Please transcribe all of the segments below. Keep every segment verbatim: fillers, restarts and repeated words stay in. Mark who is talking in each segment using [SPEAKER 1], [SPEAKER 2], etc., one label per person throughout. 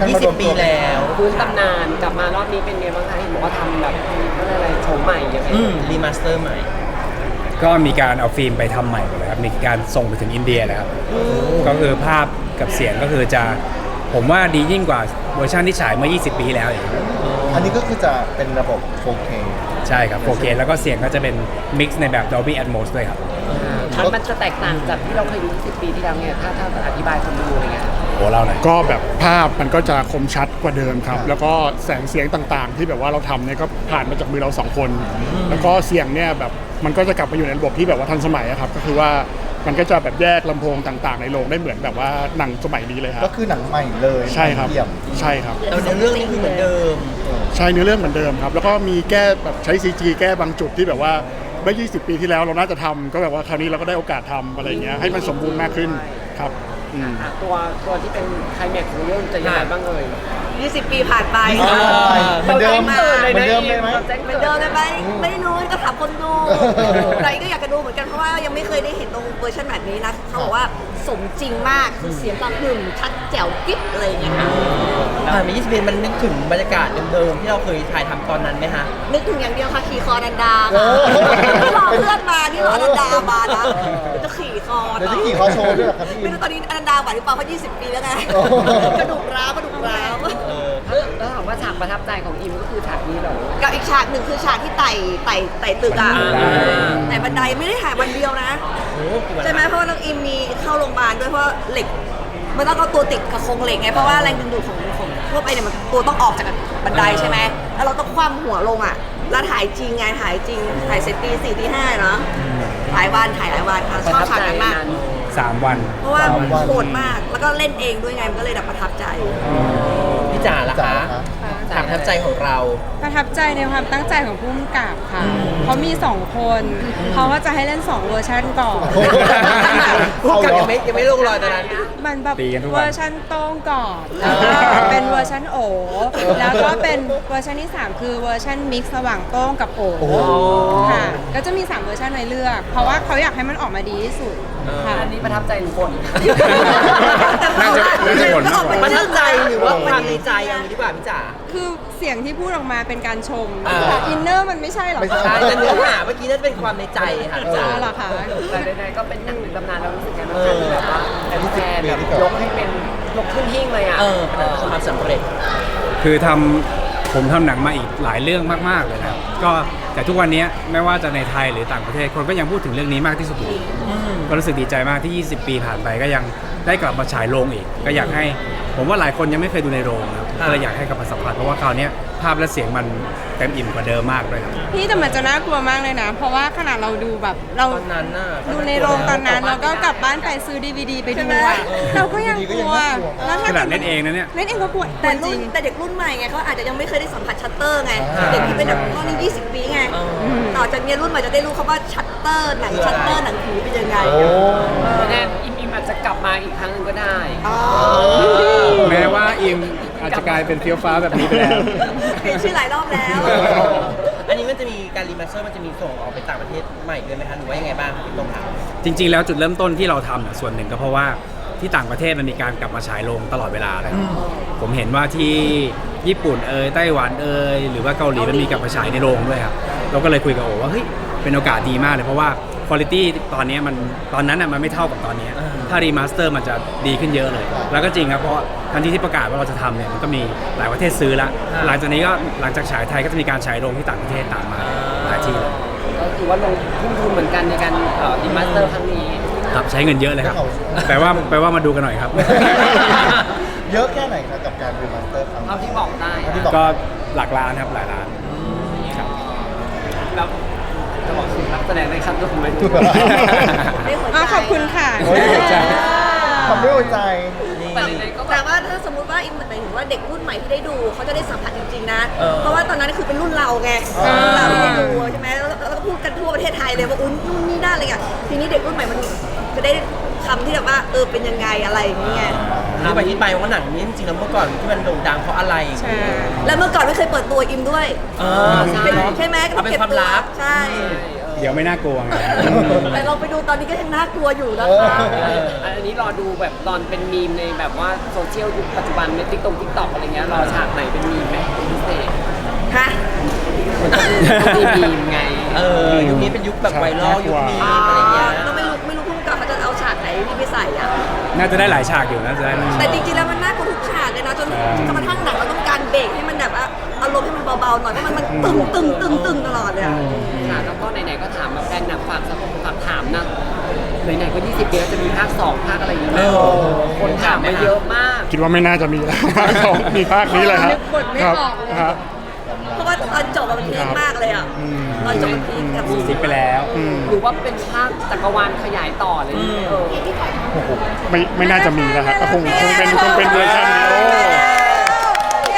[SPEAKER 1] ยี่สิบ ปีแล้ว
[SPEAKER 2] ฟื้นตำนานกลับมารอบนี้เป็นไงบ้างคะเห็นบอกว่าทำแบบอะไรโฉมใหม่ยังไง
[SPEAKER 1] อืมรีมาสเตอร์ใหม่
[SPEAKER 3] ก็มีการเอาฟิล์มไปทำใหม่หมดเลยครับมีการส่งไปถึงอินเดียเลยครับก็คือภาพกับเสียงก็คือจะผมว่าดียิ่งกว่าเวอร์ชันที่ฉายเมื่อ ยี่สิบ ปีแล้วอย่างเงี้ย
[SPEAKER 4] อันนี้ก็คือจะเป็นระบบ โฟร์เค
[SPEAKER 3] ใช่ครับ โฟร์เค แล้วก็เสียงก็จะเป็นมิกซ์ในแบบ Dolby Atmos ด้วยครับ
[SPEAKER 2] มันมันจะแตกต่างจากที่เราเคยดูสิบปีที่แล้วเนี่ยถ้าถ้าอธิบายคนดูอะไรเงี้ย
[SPEAKER 3] โอ้เล่าหน่อย
[SPEAKER 5] ก็แบบภาพมันก็จะคมชัดกว่าเดิมครับ แล้วก็แสงเสียงต่างๆ ที่แบบว่าเราทำเนี่ยก็ผ่านมาจากมือเราสองคน แล้วก็เสียงเนี่ยแบบมันก็จะกลับมาอยู่ในระบบที่แบบว่าทันสมัยอะครับ ก็คือว่ามันก็จะแบบแยกลำโพงต่างๆ ในโรงได้เหมือนแบบว่าหนังสมัยนี้เลยครั
[SPEAKER 4] ก็
[SPEAKER 5] บ
[SPEAKER 4] คือหนังใหม่เลย
[SPEAKER 5] ใช่ครับ
[SPEAKER 4] เยี่ยม
[SPEAKER 5] ใช่ครับ
[SPEAKER 1] แต่ในเรื่องนี้คือเหมือนเดิม
[SPEAKER 5] ใช่เนื้อเรื่องเหมือนเดิมครับ แล้วก็มีแก้แบบใช้ ซี จี แก้บางจุดที่แบบว่าเมื่อ ยี่สิบ ปีที่แล้วเราน่าจะทำก็แบบว่าคราวนี้เราก็ได้โอกาสทำอะไรอย่างเงี้ยให้มันสมบูรณ์มากขึ้นครับอืม
[SPEAKER 2] อ่ะตัวตัวที่เป็นไคลแม็กซ์ของเรื่องจะยังไงบ้างเอ่ย
[SPEAKER 6] ยี่สิบ ปีผ่านไป
[SPEAKER 4] เหมือนเดิม
[SPEAKER 6] มา
[SPEAKER 4] เหมือนเดิมเลยไหม
[SPEAKER 6] เหมือนเดิมเลยไหมไม่รู้ก็ถามคนดูใครก็อยากจะดูเหมือนกันเพราะว่ายังไม่เคยได้เห็นตรงเวอร์ชันแบบนี้นะเขาบอกว่าสมจริงมากคือเสียงกระหึ่มชัดแจ๋วกิ๊บอะไรอย่างเงี้ยค่ะ
[SPEAKER 1] ผ่านมายี่สิบ ปีมันนึกถึงบรรยากาศเดิมๆที่เราเคยถ่ายทำตอนนั้นไหมฮะ
[SPEAKER 6] นึกถึงอย่างเดียวค่ะขี่คอนันดา
[SPEAKER 4] โอ้
[SPEAKER 6] ค่ะที่รอเพื่อนมาที่รออนันดามานะจะขี่คอ
[SPEAKER 4] เดี๋ยวจะขี่คอโชว์ด้วยเหรอครับพี่
[SPEAKER 6] ไม่รู้ตอนนี้อนันดาไหวหรือเปล่าเพราะยี่สิบ ปีแล้วไง
[SPEAKER 4] โอ้
[SPEAKER 6] กระดูกร้าวกระดูกร้าว
[SPEAKER 2] แล้วถามว่าฉากประทับใจของอิมก็คือฉากนี้เหรอ
[SPEAKER 6] กับอีกฉากหนึ่งคือฉากที่ไต่ไต่ไต่ตึกอ่ะ
[SPEAKER 2] อ่า
[SPEAKER 6] แต่บันไดไม่ได้ถ่ายวันเดียวนะ
[SPEAKER 1] โอ้กี่วัน
[SPEAKER 6] ใช่ไหมเพราะว่าน้องอิมมีเข้าโรงพยาบาลด้วยเพราะเหล็กมันต้องเอาตัวติดกับโครงเหล็กไงเพราะว่าแรงดึงดูดของของทั่วไปเนี่ยมันตัวต้องออกจากบันไดใช่ไหมแล้วเราต้องคว่ำหัวลงอ่ะแล้วถ่ายจริงไงถ่ายจริงถ่ายเสร็จตีสี่ตีห้าเนาะหลายวันถ่ายหลายวันค่ะชอบฉากนั้นมาก
[SPEAKER 3] สามวัน
[SPEAKER 6] เพราะว่าโหดมากแล้วก็เล่นเองด้วยไงมันก็เลยแบบประทับใจ
[SPEAKER 1] พี่จ๋าล่ะ
[SPEAKER 4] จ๋า
[SPEAKER 1] คะ
[SPEAKER 4] คะ
[SPEAKER 1] ฉากประทับใจของเรา
[SPEAKER 7] ประทับใจในความตั้งใจของผู้กำกับค่ะเขามีสองคนเขาก็จะให้เล่นสองเวอร์ชันก่อน
[SPEAKER 1] พูดกับยังไม่ยังไม่ลงรอยตอนนั้น
[SPEAKER 7] มันแบบ
[SPEAKER 3] ตีกันทุกวัน
[SPEAKER 7] เวอร์ชันโต้งก่อนแล้วก็เป็นเวอร์ชันโอ แล้วก็เป็นเวอร์ชันที่สามคือเวอร์ชันมิกซ์ระหว่างโต้งกับโอค่ะก็จะมีสามเวอร์ชันให้เลือก เพราะว่าเขาอยากให้มันออกมาดีที่สุดค่ะ
[SPEAKER 2] อันนี้ประทับใจหรือบ่น
[SPEAKER 3] น่าจะน่าจะบ่นมากกว่า
[SPEAKER 1] ประทับใจหรือว่าความในใจเอางี้ดีกว่าพี่จ๋า
[SPEAKER 7] คือเสียงที่พูดออกมาเป็นการชม
[SPEAKER 1] อ่า
[SPEAKER 7] แต่อินเนอร์มันไม่ใช่หรอก
[SPEAKER 4] ไม่ใช่
[SPEAKER 1] ใช่แต่เนื้อหาเมื่อกี้น่าจะเป็นความในใจค่ะพี่จ๋า
[SPEAKER 7] อ๋อเหรอคะ
[SPEAKER 2] แต่ใดๆก็เป็นหนังหนึ่งตำนานเรารู้สึกกันว่าที่แบบว่าแฟนๆแบบยกให้เป็นยกขึ้นหิ้งเลยอ่ะ
[SPEAKER 1] เออเป็นความสำเร็จ
[SPEAKER 3] คือทำผมทำหนังมาอีกหลายเรื่องมากๆเลยนะครับก็แต่ทุกวันนี้ไม่ว่าจะในไทยหรือต่างประเทศคนก็ยังพูดถึงเรื่องนี้มากที่สุดอยู่ก็รู้สึกดีใจมากที่ ยี่สิบ ปีผ่านไปก็ยังได้กลับมาฉายโรงอีก ก็อยากให้ผมว่าหลายคนยังไม่เคยดูในโรงนะครับก็เลยอยากให้กลับมาสัมผัสเพราะว่าคราวนี้ภาพและเสียงมันเต็มอิ่มกว่าเดิมมากเลยครับ
[SPEAKER 7] พี่แต่มันจะน่ากลัวมากเลยนะ เพราะว่าขนาดเราดูแบบเรา
[SPEAKER 1] ตอนนั้นน่ะ
[SPEAKER 7] ดูในโรงตอนนั้นแล้วก็กลับบ้านไปซื้อดีวีดีไปดูอะเราก็ยังกลัวแล้วถ้า
[SPEAKER 3] ขนาดเล่นเองนะเนี่ย
[SPEAKER 7] เล่นเองก็กลัว
[SPEAKER 6] แต่
[SPEAKER 7] จ
[SPEAKER 6] รุ่
[SPEAKER 7] ริ
[SPEAKER 6] น
[SPEAKER 7] ง
[SPEAKER 6] แต่เด็กรุ่นใหม่ไงเขาอาจจะยังไม่เคยได้สัมผัสชัตเตอร์ไง
[SPEAKER 4] อ่า
[SPEAKER 6] เด็กที่เป็นแบบตอนนี้ยี่สิบ ปีไงต่อจากเนี้ยรุ่นใหม่จะได้รู้คำว่าชัตเตอร์หนังชัตเตอร์หนังผีเป็นยังไง
[SPEAKER 4] โอ้
[SPEAKER 2] ไม่แน่อิมอิมอาจจะกลับมาอีกครั้งหนึงก็ได้
[SPEAKER 6] อ๋อ
[SPEAKER 3] แม้ว่าอิมอาจจะกลายเป็นเฟี้ยวฟ้าแบบนี้ไปแล้ว
[SPEAKER 6] เปลี่ยนชื่อหลายรอบแล้ว
[SPEAKER 1] อันนี้มันจะมีการรีมาสเตอร์มันจะมีส่งออกไปต่างประเทศใหม่ด้วยไหมคะหรือว่ายังไงบ้างพี่ตรงถาม
[SPEAKER 3] จริง ๆ แล้วจุดเริ่มต้นที่เราทำน่ะส่วนหนึ่งก็เพราะว่าที่ต่างประเทศมันมีการกลับมาฉายโรงตลอดเวลาเลยผมเห็นว่าที่ญี่ปุ่นเอยไต้หวันเอยหรือว่าเกาหลีมันมีกลับมาฉายในโรงด้วยครับเราก็เลยคุยกับโอว่าเฮ้ยเป็นโอกาสดีมากเลยเพราะว่าคุณภาพตอนนี้มันตอนนั้นน่ะมันไม่เท่ากับตอนนี้ถ้ารีมาสเตอร์มันจะดีขึ้นเยอะเลย แล้วก็จริงครับเพราะทันทีที่ประกาศว่าเราจะทำเนี่ยมันก็มีหลายประเทศซื้อละหลังจากนี้ก็หลังจากฉายไทยก็จะมีการฉายโรงที่ต่างประเทศตามมาหลายที่เลย
[SPEAKER 2] ก็คือว่าลงทุ่มทุนเหมือนกันในการเอ่อดีมาสเตอร์ครั้งนี้
[SPEAKER 3] ครับใช้เงินเยอะเลยครับแปลว่าแปลว่ามาดูกันหน่อยครับ
[SPEAKER 4] เยอะแค่ไหนครับกับการรีมาสเตอร์ครั้ง
[SPEAKER 2] เท่าที่บอกได้
[SPEAKER 4] เท่าที่บอก
[SPEAKER 3] ก็หลักล้านครับหลายล้านครับ
[SPEAKER 2] แล้วจะบอกถึงนักแสดงในขั้นต้นไหม
[SPEAKER 6] ได้หัว
[SPEAKER 7] ๆอ๋อ
[SPEAKER 6] ใจ
[SPEAKER 7] ขอบคุณค่ะ
[SPEAKER 4] โอ้ยหัวใจทำด้วยหัวใจ
[SPEAKER 2] แต่ใดๆก็แบ
[SPEAKER 6] แต่
[SPEAKER 2] บ
[SPEAKER 6] ว่าถ้าสมมติว่าอิมหมายถึงว่าเด็กรุ่นใหม่ที่ได้ดูเขาจะได้สัมผัสจริงๆนะ
[SPEAKER 1] เออ
[SPEAKER 6] เพราะว่าตอนนั้นคือเป็นรุ่นเราไง
[SPEAKER 4] อ่า
[SPEAKER 6] รุ่นเราที่ได้ดูใช่ไหมแล้วแล้วก็พูดกันทั่วประเทศไทยเลยว่าอุ้นนู่นนี่นั่นอะไรเงี้ยทีนี้เด็กรุ่นใหม่มันจะได้คำที่แบบว่าเออเป็นยังไงอะไรอย่างเงี้ย
[SPEAKER 1] อธิบายที่ไปว่าหนังนี้จริงๆแล้วเมื่อก่อนที่มันโด่งดังเพราะอะไร
[SPEAKER 7] ใช่
[SPEAKER 6] แล้วเมื่อก่อนไม่เคยเปิดตัวอิมด้วย
[SPEAKER 1] เออใช่
[SPEAKER 6] เป็นใช่ไหม
[SPEAKER 1] เอาเป็นความลับ
[SPEAKER 6] ใช่
[SPEAKER 4] ท
[SPEAKER 3] เดี๋ยวไม่น่ากลัวไง
[SPEAKER 6] แต่เราไปดูตอนนี้ก็ยังน่ากลัวอยู่นะ
[SPEAKER 4] เออ
[SPEAKER 6] คะ
[SPEAKER 2] อันนี้รอดูแบบตอนเป็นมีมในแบบว่าโซเชียลยุคปัจจุบันในติ๊กต็อกติ๊กต็อกอะไรเงี้ยรอฉากไหนเป็นมีมไหมเป็นพิเศษ
[SPEAKER 6] ฮะ
[SPEAKER 2] มีมีมไง
[SPEAKER 1] เออยุคนี้เป็นยุคแบบไวรัลยุคมีมอะไรเงี้ย
[SPEAKER 6] ก็ไม่รู้ไม่รู้พุ่งกับเขาจะเอาฉากไหนนี่ไปใส่อ่ะ
[SPEAKER 3] น่าจะได้หลายฉากอยู่น่าจะได้
[SPEAKER 6] แต่จริงๆแล้วมันน่ากลัวทุกฉากเลยนะจนจนกระทั่งหนังเราต้องการเบรกให้มันแบบว่าอารมณ์ให้มันเบาๆหน่อยเพราะมันมันตึงตึงตึงตึงตลอดเลยอะ
[SPEAKER 2] ค่ะแล้วก็ไหนๆก็ถามมาแฟนหนังฝากสักฝากถามนะไหนๆก็ยี่สิบปีแล้วจะมีภาคสองภาคอะไรอย่างเงี้ย
[SPEAKER 1] เออ
[SPEAKER 2] คนถามมาเยอะมาก
[SPEAKER 5] คิดว่าไม่น่าจะมีแล้ว มีภาคนี้เลยครับ
[SPEAKER 7] นึกบทไม่
[SPEAKER 5] ครับ
[SPEAKER 7] ออกเลย
[SPEAKER 5] ครับ
[SPEAKER 6] เพราะว่าตอนจบอะมันพีคมากเลยอ่ะตอนจบมันพีคกับ
[SPEAKER 3] ซิกไปแล้ว
[SPEAKER 5] อืม
[SPEAKER 2] หรือว่าเป็นภาคจักรวาลขยายต่อเลยเออ
[SPEAKER 5] ไม่ไม่น่าจะมีแล้วครับก็คงคงเป็นคงเป็นเวอร์ชันนี้โอ้
[SPEAKER 6] เย้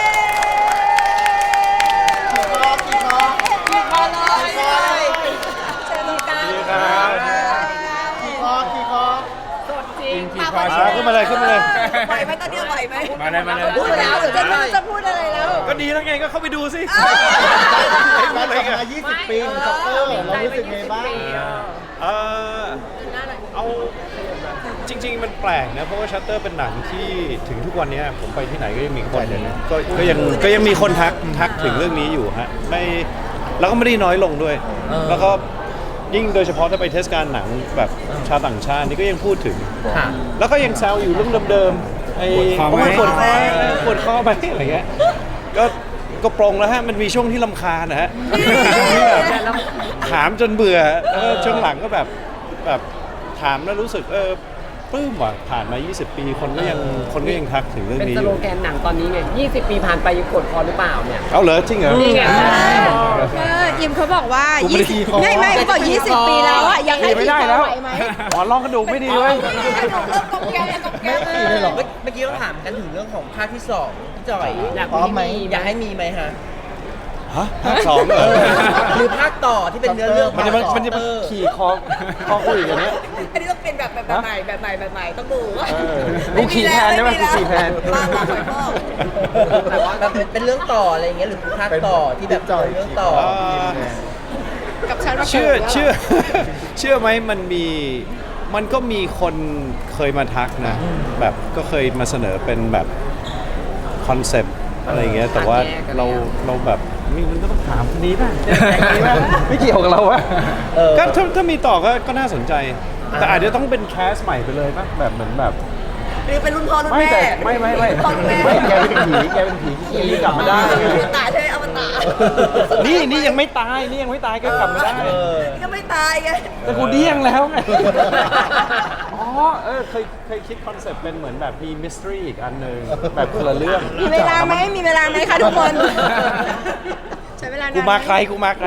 [SPEAKER 7] เชิญตรงกลาง
[SPEAKER 4] ขี่คอขี่คอ
[SPEAKER 2] จริง
[SPEAKER 3] ขี่คอ
[SPEAKER 4] อ่าขึ้นมาเลยขึ้นมาเลย
[SPEAKER 6] ไหวไหมตอนนี้ไหวไหม
[SPEAKER 3] มาเลยมาเลย
[SPEAKER 6] พูดแล้วเดี๋ยวจะพูดจะพูดอะไรแล้ว
[SPEAKER 3] ก็ดีแล้วไงก็เข้าไปดูสิ
[SPEAKER 4] มาทำมายี่สิบปีของซัปเตอร์เรารู้สึกไงบ้าง
[SPEAKER 8] เอ่อเอาจริง ๆ มันแปลกนะ เพราะว่าชัตเตอร์เป็นหนังที่ถึงทุกวันนี้ผมไปที่ไหนก็ยังมีคนก็ก็ยังก็ยังมีคนทักทักถึงเรื่องนี้อยู่ฮะไม่แล้วก็ไม่ได้น้อยลงด้วย
[SPEAKER 1] เออ
[SPEAKER 8] แล้วก็ยิ่งโดยเฉพาะถ้าไปเทศกาลหนังแบบชาวต่างชาตินี่ก็ยังพูดถึง
[SPEAKER 1] ค่ะ
[SPEAKER 8] แล้วก็ยังแซวอยู่เรื่องเดิมๆไอ้
[SPEAKER 3] ปวดคอไหม
[SPEAKER 8] ปวดคอไหมปวดคอไหมอะไรเงี้ยก็ก็ปรงแล้วฮะมันมีช่วงที่รำคาญนะฮะช่วงที่แบบถามจนเบื่อแล้วก็ช่วงหลังก็แบบแบบถามแล้วรู้สึกเออปลื้มว่ะผ่านมา ยี่สิบ ปีคนก็ยังคนก็ยังทักถึงเรื่อง
[SPEAKER 2] เป็น
[SPEAKER 8] นี้
[SPEAKER 2] ส
[SPEAKER 8] อ
[SPEAKER 2] โล
[SPEAKER 8] ยู่
[SPEAKER 2] แกนหนังตอนนี้ไงยี่สิบปีผ่านไปยังกดคอหรือเปล่าเนี่ย
[SPEAKER 8] เอาเหรอจริงเหรอ
[SPEAKER 2] นี่ไง
[SPEAKER 7] เอออิมเขาบอกว่า
[SPEAKER 4] กูไม่ได้ขี่คอ
[SPEAKER 7] ไม่ไม่เขาบอกยี่สิบปีแล้วอ่ะยังให้
[SPEAKER 8] ขี่ไม่ได้แล้ว
[SPEAKER 7] ไหวไหม
[SPEAKER 8] หมอนรองกระดูกไม่ดีเลย
[SPEAKER 4] ไม่ขี่เลยเหรอ
[SPEAKER 1] เมื่อเมื่อกี้เราถามกันถึงเรื่องของภาคที่สองพี่จอย
[SPEAKER 2] อยาก
[SPEAKER 4] พร้อมไหม
[SPEAKER 1] อยากให้มีไหมฮะ
[SPEAKER 8] ฮะภาคสองเหรอ
[SPEAKER 1] หรือภาคต่อที่เป็นเนื้อเรื่อง
[SPEAKER 8] มันจะ
[SPEAKER 1] ภาคต่อ
[SPEAKER 8] มันจะมาขี่คอคอคุยกันเนี้ย
[SPEAKER 6] อันนี้ต้องเป็นแบบแบบใหม่แบบใหม่แบบใหม่ต้องดูว่า
[SPEAKER 8] เออกูขี่แทนได้ไหมกูขี่แทน
[SPEAKER 6] บ้าบ้าหอยพ่อ
[SPEAKER 1] แต่ว่าแบบเป็นเรื่องต่ออะไรอย่างเงี้ยหรือภาคต่อที่แบบเป็นเรื่องต่อ
[SPEAKER 7] กับฉันว่า
[SPEAKER 8] เชื่อเชื่อ เชื่อไหมมันมีมันก็มีคนเคยมาทักนะ แบบก็เคยมาเสนอเป็นแบบคอนเซปต์อะไรอย่างเงี้ยแต่ว่าเราเราแบบนี่มันก็ต้องถามคนนี้ป่ะไม่เกี่ยวกับเราวะ
[SPEAKER 1] เออ
[SPEAKER 8] ก็ถ้าถ้ามีต่อก็ก็น่าสนใจ แต่อาจจะต้องเป็นแคสใหม่ไปเลยป่ะแบบเหมือนแบบ
[SPEAKER 6] หรือเป็นรุ่นพ่อรุ่น
[SPEAKER 8] ไม่
[SPEAKER 6] แม่
[SPEAKER 8] แต่ไม่ไม่ไม่
[SPEAKER 6] รุ่นพ่อรุ่นแม่
[SPEAKER 8] ไม่แกเป็นผีแกเป็นผีที่กลับมาได้
[SPEAKER 6] อวตารใช่ไหมอวตาร
[SPEAKER 8] นี่นี่ยังไม่ตายนี่ยังไม่ตายก็กลับมาได้
[SPEAKER 1] เออ
[SPEAKER 6] นี่ก็ไม่ตายไง
[SPEAKER 8] แต่กูเดี้ยงแล้วไง อ๋อ เออ เคย เคยคิดคอนเซ็ปต์เป็นเหมือนแบบมีมิสทรีอีกอันหนึ่งแบบคนละเรื่อง
[SPEAKER 7] มีเวลาไหมมีเวลาไหมคะทุกคน ใช้เวลานาน
[SPEAKER 8] กู
[SPEAKER 7] ไห
[SPEAKER 8] มาใคร กูมาใคร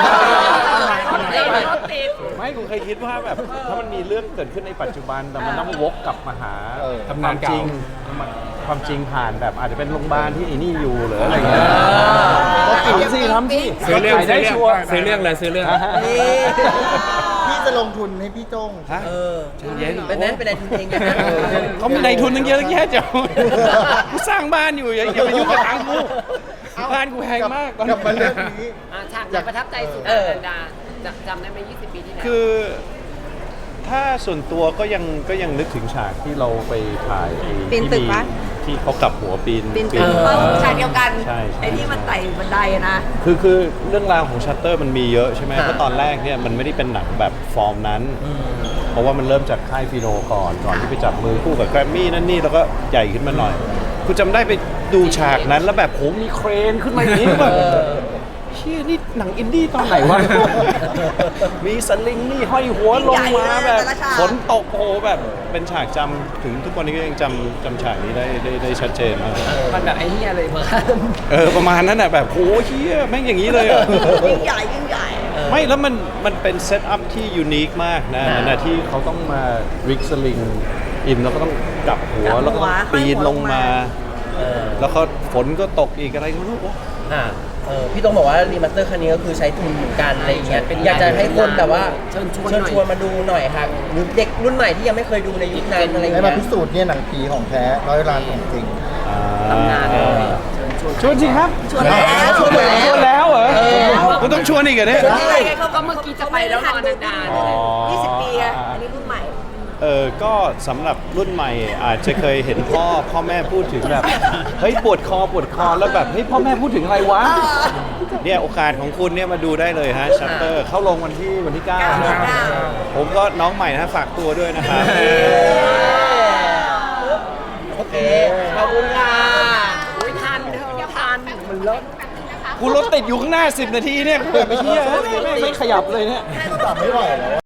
[SPEAKER 2] ติด
[SPEAKER 8] ไม่ กูเคยคิดว่าแบบ ถ้ามันมีเรื่องเกิดขึ้นในปัจจุบัน แต่มันต้องวกกลับมาหา
[SPEAKER 4] เออ
[SPEAKER 8] ทำงานจริง ความจริงผ่านแบบอาจจะเป็นโรงพยาบาลที่ไอ้นี่อยู่หรืออะไรเงี้ยทำสิทำสิ
[SPEAKER 3] ซื้อเรื่อง
[SPEAKER 8] ขายได้
[SPEAKER 3] ซื้อเรื่อง
[SPEAKER 8] ชัวร์
[SPEAKER 3] ซื้อเรื่องเลยซื้อเรื่อง
[SPEAKER 1] นี่
[SPEAKER 4] พี่จะลงทุนให้พี่โจ้ง
[SPEAKER 8] ฮะ
[SPEAKER 1] เออ
[SPEAKER 8] เย็น
[SPEAKER 1] เป็นนั้นเป็นนายทุนเองนะ
[SPEAKER 8] เขามีนายทุนตั้งเยอะตั้งแยะจ้ะกูสร้างบ้านอยู่อย่าอย่าไปยุ่งกับทางกูบ้านกูแพงมากตอน
[SPEAKER 4] กลับมาเรื่องนี้
[SPEAKER 2] อ่ะฉากไหนประทับใจสุด
[SPEAKER 1] เออ
[SPEAKER 2] นันดาจำจำได้ไหมยี่สิบปีที่แล้ว
[SPEAKER 8] คือถ้าส่วนตัวก็ยังก็ยังนึกถึงฉากที่เราไปถ่ายไอ้
[SPEAKER 7] ปีน
[SPEAKER 8] ที่
[SPEAKER 7] ตึก
[SPEAKER 8] มี
[SPEAKER 7] ปะ
[SPEAKER 8] ที่เขากลับหัวปีน
[SPEAKER 7] ปีนตึก
[SPEAKER 8] ปี
[SPEAKER 6] เพราะฉากเดียวกัน
[SPEAKER 8] ใช่ใช่
[SPEAKER 6] ไอ้ที่มันไต่บันไดอะนะ
[SPEAKER 8] คือคือเรื่องราวของชัตเตอร์มันมีเยอะใช่ไหม
[SPEAKER 1] ค่ะ
[SPEAKER 8] เพราะตอนแรกเนี่ยมันไม่ได้เป็นหนังแบบฟอร์มนั้น เพราะว่ามันเริ่มจากค่ายฟีโนก่อนก่อนที่ไปจับมือคู่กับแกรมมี่นั่นนี่แล้วก็ใหญ่ขึ้นมาหน่อยกูจำได้ไปดูฉากนั้นแล้วแบบโหมีเครนขึ้นมาอย่างนี้แบบ
[SPEAKER 1] เออ
[SPEAKER 8] เชี่ยนี่หนังอินดี้ตอนไหนวะ มีสลิงนี่ห้อยหัวลงมาแบบฝนตกโอ้โหแบบเป็นฉากจำถึงทุกวันนี้ก็ยังจำจำฉากนี้ได้ได้ได้ชัดเจนมาก
[SPEAKER 2] มันแบบไอ้เหี้ยเลยมา
[SPEAKER 8] เออประมาณนั้นแหะแบบโหเชี่ยแม่งอย่างนี้เลยอ่ะ
[SPEAKER 6] ยิ่งใหญ่ยิ่งใหญ่
[SPEAKER 8] ไม่แล้วมันมันเป็นเซตอัพที่ยูนิคมากนะนั่นนะที่เขาต้องมาริกสลิงอินแล้วก็ต้องกลับหัวแล้วก็ต้องปีนลงมา
[SPEAKER 1] เออ
[SPEAKER 8] แล้วก็ฝนก็ตกอีกอะไรก็ไม่รู้
[SPEAKER 1] อ่าเออพี่ต้องบอกว่ารีมาสเตอร์ครั้งนี้ก็คือใช้ทุนเหมือนกันอะไรอย่างเงี้ยอยากจะให้คนแบบว่า
[SPEAKER 2] เชิญชวน
[SPEAKER 1] เชิญ
[SPEAKER 2] หน่อย
[SPEAKER 1] ชวนมาดูหน่อยค่ะหรือเด็กรุ่นใหม่ที่ยังไม่เคยดูในยุคนั้นอะไรอย่าง
[SPEAKER 4] ให้
[SPEAKER 1] เงี้
[SPEAKER 4] มาย พิสูจน์เนี่ยหนังผีของแท้ร้อยล้านของจริง
[SPEAKER 8] อ่า
[SPEAKER 2] ตำนานเลย
[SPEAKER 8] ช่วยชวนจริงครับ
[SPEAKER 6] ชวนแล้วชวนแล้ว
[SPEAKER 8] ชวนแล้วเหรอมันต้องชวนอีกเหรอเนี่ย
[SPEAKER 6] นี่ไงเขา
[SPEAKER 2] ก็เมื่อกี้จะไปแล้วรอนาน
[SPEAKER 8] อ๋อ
[SPEAKER 6] ยี่สิบปีอะอันนี้รุ่นใหม่
[SPEAKER 8] เออก็สำหรับรุ่นใหม่อาจจะเคยเห็นพ่อพ่อแม่พูดถึงแบบเฮ้ยปวดคอปวดคอแล้วแบบเฮ้ยพ่อแม่พูดถึงอะไรวะเนี่ยโอกาสของคุณเนี่ยมาดูได้เลยฮะชัตเตอร์เข้าลงวันที่วันที่เก้า
[SPEAKER 6] เก้า
[SPEAKER 8] นะ ผมก็น้องใหม่นะฝากตัวด้วยนะครับ
[SPEAKER 1] โอเค ขอบคุณค่ะ
[SPEAKER 2] ๆอุ้ยทันเธอทันมันเลิศ
[SPEAKER 8] กูรถติดอยู่ข้างหน้าสิบนาทีเนี่ยกูแบบไม่เที่ยไม่ไม่ขยับเลยเนี่ย
[SPEAKER 4] ตัดไม่ไหวแล้ว